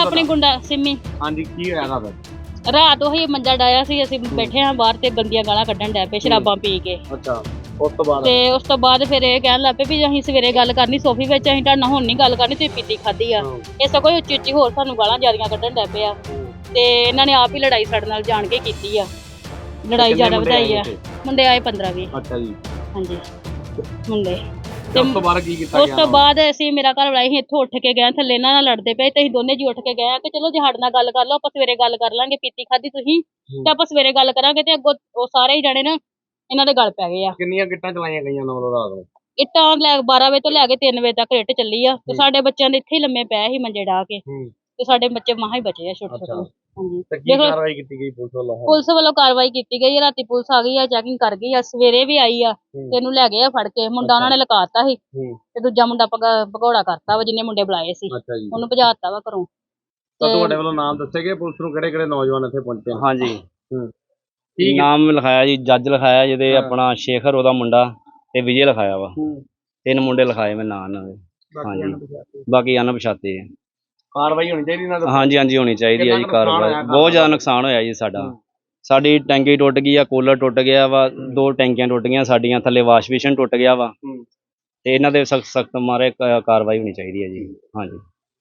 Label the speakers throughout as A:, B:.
A: ਆਪਣੀ ਗੁੰਡਾ ਸਿੰਮੀ।
B: ਹਾਂਜੀ ਕੀ ਹੋਇਆ
A: ਰਾਤ ਉਹੀ ਮੰਜਾ ਡਾਇਆ ਸੀ, ਅਸੀਂ ਬੈਠੇ ਹਾਂ ਬਾਹਰ ਤੇ ਗੰਦੀਆਂ ਗਾਲਾਂ ਕੱਢਣ ਡੈ ਪਏ ਸ਼ਰਾਬਾਂ ਪੀ ਕੇ।
B: ਅੱਛਾ ਉਸ ਤੋਂ ਬਾਅਦ
A: ਤੇ ਉਸ ਤੋਂ ਬਾਅਦ ਫਿਰ ਇਹ ਕਹਿਣ ਲੱਗ ਪਏ ਵੀ ਅਸੀਂ ਸਵੇਰੇ ਗੱਲ ਕਰਨੀ ਸੋਫੀ ਵਿੱਚ, ਅਸੀਂ ਤੁਹਾਡੇ ਨਾਲ ਹੁਣ ਨਹੀਂ ਗੱਲ ਕਰਨੀ, ਤੁਸੀਂ ਪੀਤੀ ਖਾਧੀ ਆ। ਇਹ ਸਗੋਂ ਉੱਚੀ ਉੱਚੀ ਹੋਰ ਸਾਨੂੰ ਗਾਲਾਂ ਜ਼ਿਆਦੀਆਂ ਕੱਢਣ ਡੈ ਪਏ ਆ ਤੇ ਇਹਨਾਂ ਨੇ ਆਪ ਹੀ ਲੜਾਈ ਸਾਡੇ ਨਾਲ ਜਾਣ ਕੇ ਕੀਤੀ ਆ, ਲੜਾਈ ਜ਼ਿਆਦਾ ਵਧਾਈ ਆ। ਮੁੰਡੇ ਆਏ 15-20।
B: ਅੱਛਾ ਜੀ।
A: ਹਾਂਜੀ ਮੁੰਡੇ।
B: ਤੇ ਉਸ ਤੋਂ ਬਾਅਦ ਕੀ ਕੀਤਾ ਗਿਆ?
A: ਉਸ ਤੋਂ ਬਾਅਦ ਅਸੀਂ ਮੇਰਾ ਘਰ ਵਾਲਾ ਅਸੀਂ ਇੱਥੋਂ ਉੱਠ ਕੇ ਗਏ ਥੱਲੇ, ਇਹਨਾਂ ਨਾਲ ਲੜਦੇ ਪਏ ਤੇ ਅਸੀਂ ਦੋਨੇ ਜੀ ਉੱਠ ਕੇ ਗਏ ਕਿ ਚਲੋ ਜੇ ਸਾਡੇ ਨਾਲ ਗੱਲ ਕਰ ਲਓ, ਆਪਾਂ ਸਵੇਰੇ ਗੱਲ ਕਰ ਲਾਂਗੇ, ਪੀਤੀ ਖਾਧੀ ਤੁਸੀਂ ਤੇ ਆਪਾਂ ਸਵੇਰੇ ਗੱਲ ਕਰਾਂਗੇ। ਤੇ ਅੱਗੋਂ ਉਹ ਸਾਰੇ ਹੀ ਜਾਣੇ ਨਾ ਇਹਨਾਂ ਦੇ ਗੱਲ ਪੈ ਗਏ ਆ।
B: ਕਿੰਨੀਆਂ ਗਿੱਟਾਂ ਚਲਾਈਆਂ ਗਈਆਂ ਉਹਨਾਂ ਵੱਲੋਂ ਰਾਤ ਨੂੰ?
A: ਇੱਟਾਂ 12 ਵਜੇ ਤੋਂ ਲੈ ਕੇ 3 ਵਜੇ ਤੱਕ ਇੱਟ ਚੱਲੀ ਆ ਤੇ ਸਾਡੇ ਬੱਚਿਆਂ ਦੇ ਇੱਥੇ ਹੀ ਲੰਮੇ ਪਏ ਸੀ ਮੰਜੇ ਢਾ ਕੇ ਤੇ ਸਾਡੇ ਬੱਚੇ ਮਸਾਂ ਹੀ ਬਚੇ ਆ ਛੋਟੇ ਛੋਟੇ। ਹਾਂਜੀ
B: ਤੇ ਕੀ ਕਾਰਵਾਈ ਕੀਤੀ ਗਈ ਪੁਲਿਸ ਵੱਲੋਂ?
A: ਪੁਲਿਸ ਵੱਲੋਂ ਕਾਰਵਾਈ ਕੀਤੀ ਗਈ ਹੈ, ਰਾਤੀ ਪੁਲਿਸ ਆ ਗਈ ਆ, ਚੈਕਿੰਗ ਕਰ ਗਈ ਆ, ਸਵੇਰੇ ਵੀ ਆਈ ਆ ਤੇ ਇਹਨੂੰ ਲੈ ਗਏ ਆ ਫੜ ਕੇ। ਮੁੰਡਾ ਉਹਨਾਂ ਨੇ ਲਕਾਤਾ ਸੀ ਤੇ ਦੂਜਾ ਮੁੰਡਾ ਭਗੌੜਾ ਕਰਤਾ ਵਾ, ਜਿੰਨੇ ਮੁੰਡੇ ਬੁਲਾਏ ਸੀ ਉਹਨੂੰ ਭਜਾਤਾ ਵਾ ਘਰੋਂ।
B: ਤਾਂ ਤੁਹਾਡੇ ਵੱਲੋਂ ਨਾਮ ਦੱਸੇ ਗਏ ਪੁਲਿਸ ਨੂੰ ਕਿਹੜੇ ਕਿਹੜੇ ਨੌਜਵਾਨ ਇੱਥੇ ਪਹੁੰਚੇ?
C: ਹਾਂਜੀ ਨਾਮ ਲਿਖਾਇਆ ਜੀ, ਜੱਜ ਲਿਖਾਇਆ ਜਿਹਦੇ ਆਪਣਾ ਸ਼ੇਖਰ ਉਹਦਾ ਮੁੰਡਾ ਤੇ ਵਿਜੇ ਲਿਖਾਇਆ ਵਾ। 3 ਮੁੰਡੇ ਲਿਖਾਏ ਮੈਂ ਨਾਂ ਇਹਨਾਂ ਦੇ। ਹਾਂਜੀ ਬਾਕੀ ਅਣਪਛਾਤੇ ਆ।
B: ਕਾਰਵਾਈ ਹੋਣੀ ਚਾਹੀਦੀ ਇਹਨਾਂ ਤੇ।
C: ਹਾਂਜੀ ਹਾਂਜੀ ਹੋਣੀ ਚਾਹੀਦੀ ਹੈ ਜੀ ਕਾਰਵਾਈ। ਬਹੁਤ ਜ਼ਿਆਦਾ ਨੁਕਸਾਨ ਹੋਇਆ ਜੀ ਸਾਡਾ। ਸਾਡੀ ਟੈਂਕੀ ਟੁੱਟ ਗਈ ਆ, ਕੂਲਰ ਟੁੱਟ ਗਿਆ ਵਾ, 2 ਟੈਂਕੀਆਂ ਟੁੱਟ ਗਈਆਂ ਸਾਡੀਆਂ, ਥੱਲੇ ਵਾਸ਼ ਬੇਸਿਨ ਟੁੱਟ ਗਿਆ ਵਾ ਤੇ ਇਹਨਾਂ ਦੇ ਸਖਤ ਮਾਰੇ ਕਾਰਵਾਈ ਹੋਣੀ ਚਾਹੀਦੀ ਹੈ ਜੀ। ਹਾਂਜੀ।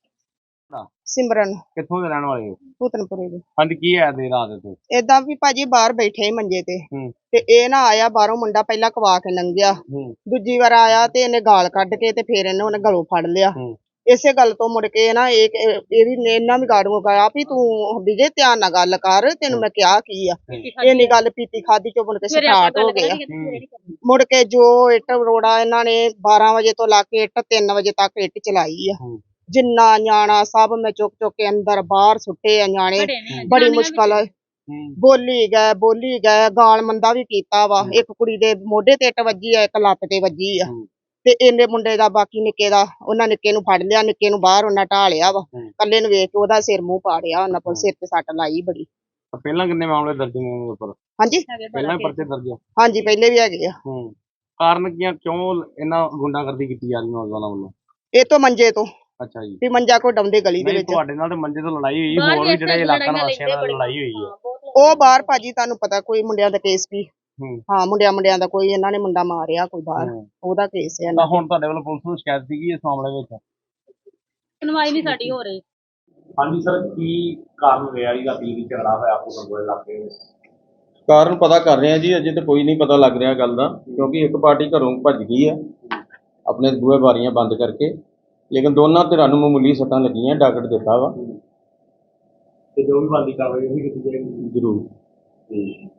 D: ਸਿਮਰਨ
B: ਕਿੱਥੋਂ ਦੇ ਰਹਿਣ ਵਾਲੇ ਹੋ?
D: ਭੂਤਨਪੁਰੇ ਦੇ।
B: ਹਾਂਜੀ ਕੀ ਹੈ ਦੇ ਰਾਤ ਤੇ?
D: ਏਦਾਂ ਵੀ ਭਾਜੀ ਬਾਹਰ ਬੈਠੇ ਸੀ ਮੰਜੇ ਤੇ ਤੇ ਇਹ ਨਾ ਆਇਆ ਬਾਹਰੋਂ ਮੁੰਡਾ, ਪਹਿਲਾਂ ਕਵਾ ਕੇ ਲੰਘਿਆ, ਦੂਜੀ ਵਾਰ ਆਇਆ ਤੇ ਇਹਨੇ ਗਾਲ ਕੱਢ ਕੇ ਤੇ ਫੇਰ ਉਹਨੇ ਗਲੋਂ ਫੜ ਲਿਆ। ਇਸੇ ਗੱਲ ਤੋਂ ਮੁੜ ਕੇ ਨਾ ਇਹਨਾਂ ਵੀ ਗਾੜੂ ਗਿਆ ਵੀ ਤੂੰ ਵਿਜੇ ਧਿਆਨ ਨਾਲ ਗੱਲ ਕਰ, ਤੈਨੂੰ ਮੈਂ ਕਿਹਾ ਕੀ ਆ। ਇਹਨੀ ਗੱਲ ਪੀਤੀ ਖਾਦੀ ਚੋਂ ਮੁੜ ਕੇ ਸਟਾਰਟ ਹੋ ਗਿਆ। ਮੁੜ ਕੇ ਜੋ ਇੱਟ ਰੋੜਾ ਇਹਨਾਂ ਨੇ 12 ਵਜੇ ਤੋਂ ਲਾ ਕੇ 3 ਵਜੇ ਤੱਕ ਇੱਟ ਚਲਾਈ ਆ। ਜਿੰਨਾ ਨਿਆਣਾ ਸਭ ਮੈਂ ਚੁੱਕ ਚੁੱਕ ਕੇ ਅੰਦਰ ਬਾਹਰ ਸੁੱਟੇ ਆ ਨਿਆਣੇ। ਬੜੀ ਮੁਸ਼ਕਲ ਬੋਲੀ ਗਏ ਗਾਲ ਮੰਦਾ ਵੀ ਕੀਤਾ ਵਾ। ਇੱਕ ਕੁੜੀ ਦੇ ਮੋਢੇ ਤੇ ਇੱਟ ਵੱਜੀ ਆ, ਇੱਕ ਲੱਤ ਤੇ ਵੱਜੀ ਆ ਤੇ ਇਹਨੇ ਮੁੰਡੇ ਦਾ ਬਾਕੀ ਨਿੱਕੇ ਦਾ, ਉਹਨਾਂ ਨਿੱਕੇ ਨੂੰ ਫੜ ਲਿਆ, ਨਿੱਕੇ ਨੂੰ ਬਾਹਰ ਉਹਨਾਂ ਢਾਲਿਆ ਵਾ। ਕੱਲੇ ਨੂੰ ਵੇਖ ਕੇ ਉਹਦਾ ਸਿਰ ਮੂੰਹ ਪਾੜਿਆ ਉਹਨਾਂ ਕੋਲ, ਸਿਰ ਤੇ ਸੱਟ ਲਾਈ ਬੜੀ।
B: ਪਹਿਲਾਂ ਕਿੰਨੇ ਮਾਮਲੇ ਦਰਜ ਨੇ ਉਹਨਾਂ ਉੱਪਰ?
D: ਹਾਂਜੀ
B: ਪਹਿਲਾਂ ਹੀ ਪਰਚੇ ਦਰਜ?
D: ਹਾਂਜੀ ਪਹਿਲੇ ਵੀ ਹੈਗੇ ਆ।
B: ਕਾਰਨ ਕੀ ਆ, ਕਿਉਂ ਇਹਨਾਂ ਗੁੰਡਾਗਰਦੀ ਕੀਤੀ ਜਾ ਰਹੀ ਨੌਜਵਾਨਾਂ ਵੱਲੋਂ?
D: ਇਹ ਤੋਂ ਮੰਜੇ ਤੋਂ।
B: ਅੱਛਾ ਜੀ।
D: ਵੀ ਮੰਜਾ ਕੋ ਡਾਉਂਦੇ ਗਲੀ ਦੇ ਵਿੱਚ।
B: ਤੁਹਾਡੇ ਨਾਲ ਤੇ ਮੰਜੇ ਤੋਂ ਲੜਾਈ ਹੋਈ, ਹੋਰ ਵੀ ਜਿਹੜੇ ਇਲਾਕਾ ਵਾਸੀਆਂ ਨਾਲ ਲੜਾਈ ਹੋਈ ਹੈ?
D: ਉਹ ਬਾਹਰ ਭਾਜੀ ਤੁਹਾਨੂੰ ਪਤਾ ਕੋਈ ਮੁੰਡਿਆਂ ਦਾ ਕੇਸ ਵੀ। ਹਾਂ ਮੁੰਡਿਆਂ ਦਾ ਕੋਈ ਇਹਨਾਂ ਨੇ ਮੁੰਡਾ ਮਾਰਿਆ ਕੋਈ ਬਾਹਰ, ਉਹਦਾ ਕੇਸ ਹੈ।
B: ਤਾਂ ਹੁਣ ਤੁਹਾਡੇ ਵੱਲੋਂ ਪੁਲਿਸ ਨੂੰ ਸ਼ਿਕਾਇਤ ਸੀਗੀ ਇਸ ਮਾਮਲੇ ਵਿੱਚ?
A: ਸੁਣਵਾਈ ਨਹੀਂ ਸਾਡੀ ਹੋ ਰਹੀ।
B: ਹਾਂਜੀ ਸਰ, ਕੀ ਕਾਰਨ ਰਿਹਾ ਜੀ ਰਾਤੀ ਦੀ ਝਗੜਾ ਹੋਇਆ ਭੂਤਨਪੁਰੇ ਇਲਾਕੇ ਵਿੱਚ?
E: ਕਾਰਨ ਪਤਾ ਕਰ ਰਹੇ ਆ ਜੀ, ਅਜੇ ਤਾਂ ਕੋਈ ਨਹੀਂ ਪਤਾ ਲੱਗ ਰਿਹਾ ਗੱਲ ਦਾ, ਕਿਉਂਕਿ ਇੱਕ ਪਾਰਟੀ ਘਰੋਂ ਭੱਜ ਗਈ ਆ ਆਪਣੇ ਬੂਹੇ ਬਾਰੀਆਂ ਬੰਦ ਕਰਕੇ, ਲੇਕਿਨ ਦੋਨਾਂ ਧਿਰਾਂ ਨੂੰ ਮਾਮੂਲੀ ਸੱਟਾਂ ਲੱਗੀਆਂ, ਡਾਕਟ ਦਿੱਤਾ ਵਾ
B: ਤੇ ਜੋ ਵੀ ਬਣਦੀ ਕਾਰਵਾਈ ਉਹ ਵੀ ਕੀਤੀ ਜਾਏਗੀ
E: ਜ਼ਰੂਰ।